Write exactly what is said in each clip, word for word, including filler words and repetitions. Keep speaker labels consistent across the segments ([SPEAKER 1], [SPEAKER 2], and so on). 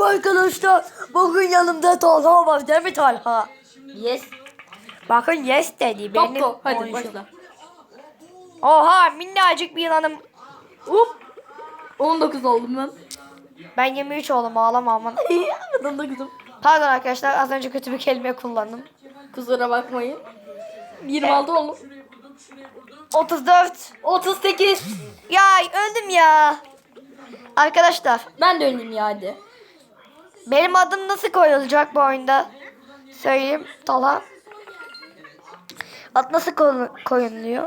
[SPEAKER 1] Arkadaşlar bugün yanımda Talha var değil mi Talha?
[SPEAKER 2] Yes.
[SPEAKER 1] Bakın yes dedi.
[SPEAKER 2] Top
[SPEAKER 1] Benim
[SPEAKER 2] top. Hadi
[SPEAKER 1] oyuncum.
[SPEAKER 2] başla.
[SPEAKER 1] Oha minnacık bir yılanım.
[SPEAKER 2] Hop. on dokuz oldum ben.
[SPEAKER 1] Ben yirmi üç oldum ağlama aman.
[SPEAKER 2] on dokuzum.
[SPEAKER 1] Pardon arkadaşlar az önce kötü bir kelime kullandım.
[SPEAKER 2] Kusura bakmayın. yirmi altı oldum.
[SPEAKER 1] otuz dört.
[SPEAKER 2] otuz sekiz.
[SPEAKER 1] Ya öldüm ya. Arkadaşlar
[SPEAKER 2] Ben de önleyim ya hadi.
[SPEAKER 1] benim adım nasıl koyulacak bu oyunda? Söyleyeyim Talha. Ad nasıl koy- koyuluyor?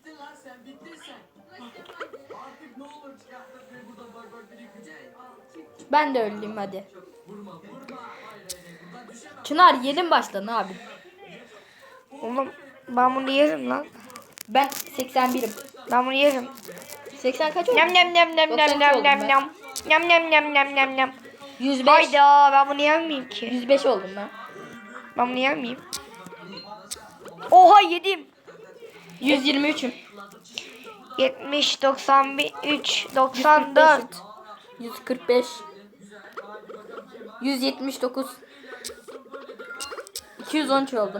[SPEAKER 2] Ben de önleyim hadi. Çınar yedim baştan abi.
[SPEAKER 1] Oğlum ben bunu yerim lan.
[SPEAKER 2] Ben seksen birim.
[SPEAKER 1] Ben bunu yerim.
[SPEAKER 2] seksen kaç oldu?
[SPEAKER 1] Nyam nyam nyam nyam
[SPEAKER 2] doksan
[SPEAKER 1] nyam
[SPEAKER 2] iki
[SPEAKER 1] nyam
[SPEAKER 2] oldum
[SPEAKER 1] nyam
[SPEAKER 2] ben.
[SPEAKER 1] nyam. Nyam nyam nyam nyam nyam nyam.
[SPEAKER 2] yüz beş.
[SPEAKER 1] Hayda ben bunu yemeyeyim ki.
[SPEAKER 2] yüz beş oldum ben.
[SPEAKER 1] Ben bunu yemeyeyim. Oha yedim.
[SPEAKER 2] yüz yirmi üçüm.
[SPEAKER 1] yetmiş, doksan üç, doksan dört.
[SPEAKER 2] yüz kırk beş. yüz yetmiş dokuz. iki yüz on üç oldum.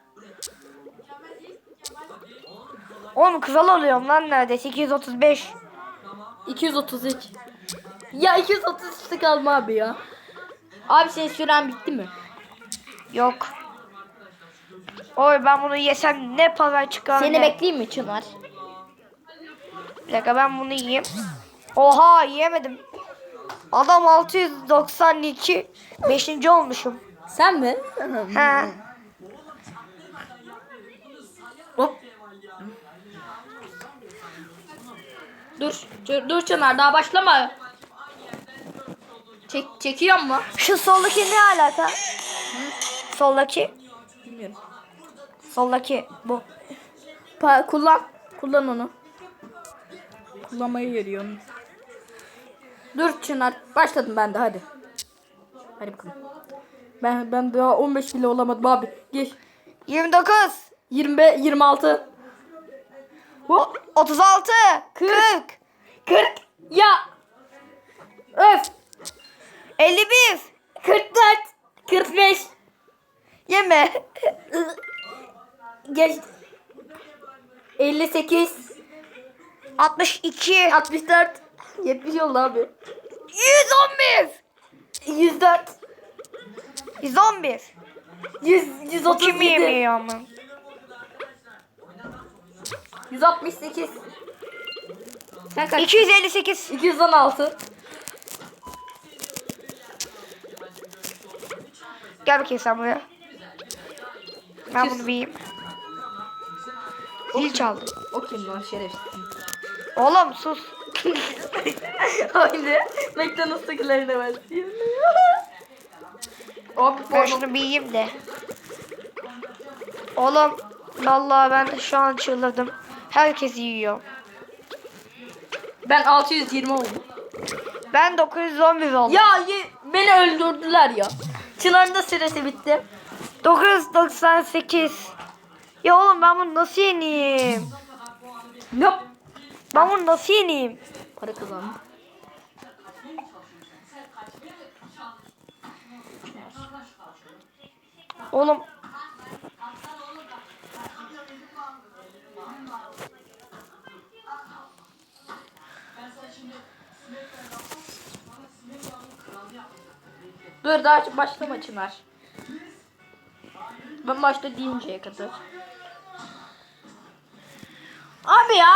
[SPEAKER 1] Oğlum kral oluyorum lan neredeyse. iki yüz otuz beş.
[SPEAKER 2] iki yüz otuz üç. Ya iki yüz otuz üçte kalma abi ya. Abi senin süren bitti mi?
[SPEAKER 1] Yok. Oy ben bunu yesem ne para çıkar
[SPEAKER 2] Seni
[SPEAKER 1] ne?
[SPEAKER 2] bekleyeyim mi Çınar?
[SPEAKER 1] Bir dakika ben bunu yiyeyim. Oha yiyemedim. Adam altı yüz doksan iki. beşinci olmuşum.
[SPEAKER 2] Sen mi?
[SPEAKER 1] He.
[SPEAKER 2] Hop. Dur, dur, dur Çınar daha başlama. Çek, çekiyor mu?
[SPEAKER 1] Şu soldaki ne alaka? Soldaki.
[SPEAKER 2] Bilmiyorum.
[SPEAKER 1] Soldaki bu.
[SPEAKER 2] Pa kullan, kullan onu. Kullanmayı veriyorum. Dur Çınar, başladım ben de hadi. Hadi bakalım. Ben ben daha on beş bile olamadım abi. Geç.
[SPEAKER 1] yirmi dokuz.
[SPEAKER 2] yirmi beş, yirmi altı.
[SPEAKER 1] O- otuz altı. kırk.
[SPEAKER 2] kırk. Ya. Öf.
[SPEAKER 1] elli bir.
[SPEAKER 2] kırk dört. kırk beş.
[SPEAKER 1] Yeme.
[SPEAKER 2] Geç. elli sekiz.
[SPEAKER 1] altmış iki.
[SPEAKER 2] altmış dört. yetmiş oldu abi.
[SPEAKER 1] yüz on bir.
[SPEAKER 2] yüz dört.
[SPEAKER 1] yüz on bir.
[SPEAKER 2] yüz, yüz
[SPEAKER 1] Bu
[SPEAKER 2] otuz
[SPEAKER 1] kim
[SPEAKER 2] yedi.
[SPEAKER 1] yemiyor ama?
[SPEAKER 2] yüz altmış sekiz. Sen kaç?
[SPEAKER 1] iki yüz elli sekiz.
[SPEAKER 2] iki yüz on altı.
[SPEAKER 1] Gel bakayım sen buraya. Ben bunu bir yiyeyim. Zil çaldı.
[SPEAKER 2] O kim lan şerefsiz.
[SPEAKER 1] Oğlum sus.
[SPEAKER 2] Haydi. McDonald's'takilerine başlayayım. Abi
[SPEAKER 1] Ben
[SPEAKER 2] pardon.
[SPEAKER 1] şunu bir yiyeyim de. Oğlum vallahi ben şu an çıldırdım. Herkes yiyor.
[SPEAKER 2] Ben altı yüz yirmi oldum.
[SPEAKER 1] Ben dokuz yüz on bir oldum.
[SPEAKER 2] Ya ye- beni öldürdüler ya. Çınar'ın da süresi bitti.
[SPEAKER 1] dokuz yüz doksan sekiz. Ya oğlum ben bunu nasıl yeneyim?
[SPEAKER 2] Yap.
[SPEAKER 1] Ben bunu nasıl yeneyim?
[SPEAKER 2] Para kazandım.
[SPEAKER 1] Oğlum
[SPEAKER 2] Dur daha başlama Çınar. Ben başta deyinceye kadar. Abi ya.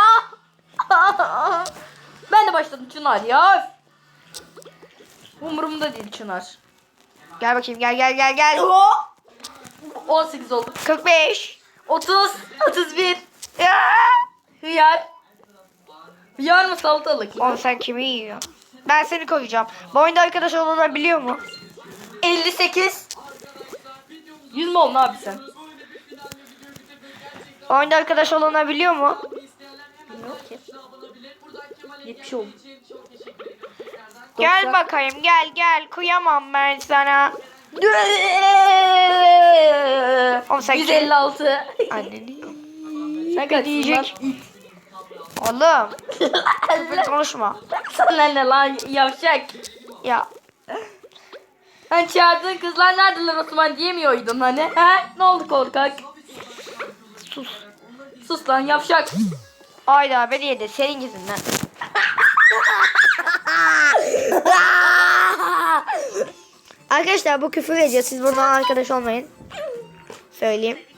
[SPEAKER 2] Ben de başladım Çınar ya. Umurumda değil Çınar.
[SPEAKER 1] gel bakayım gel gel gel gel.
[SPEAKER 2] on sekiz oldu.
[SPEAKER 1] kırk beş.
[SPEAKER 2] otuz, otuz bir.
[SPEAKER 1] Ya.
[SPEAKER 2] Hıyar. Hıyar mı salatalık mı?
[SPEAKER 1] Oğlum sen kimi yiyorsun? Ben seni koyacağım. Bu oyunda arkadaş olunabiliyor mu?
[SPEAKER 2] elli sekiz. yüz mü oldun abi sen?
[SPEAKER 1] Bu oyunda arkadaş olunabiliyor mu?
[SPEAKER 2] Bilmiyorum ki. yetmiş oldu.
[SPEAKER 1] Gel
[SPEAKER 2] doksan.
[SPEAKER 1] bakayım gel gel. Kıyamam ben sana. Oğlum sen
[SPEAKER 2] yüz elli altı.
[SPEAKER 1] Anneni.
[SPEAKER 2] Sen kaç
[SPEAKER 1] diyecek?
[SPEAKER 2] diyecek?
[SPEAKER 1] Oğlum. Böyle konuşma.
[SPEAKER 2] Sana ne lan yavşak.
[SPEAKER 1] Ya.
[SPEAKER 2] Sen çağırdığın kızlar neredeler Osman diyemiyorydun hani. He? Ne oldu korkak?
[SPEAKER 1] Sus.
[SPEAKER 2] Sus lan yavşak.
[SPEAKER 1] Ayda beni yedi senin yüzünden. Arkadaşlar bu küfür ediyor. Siz bundan arkadaş olmayın. Söyleyeyim.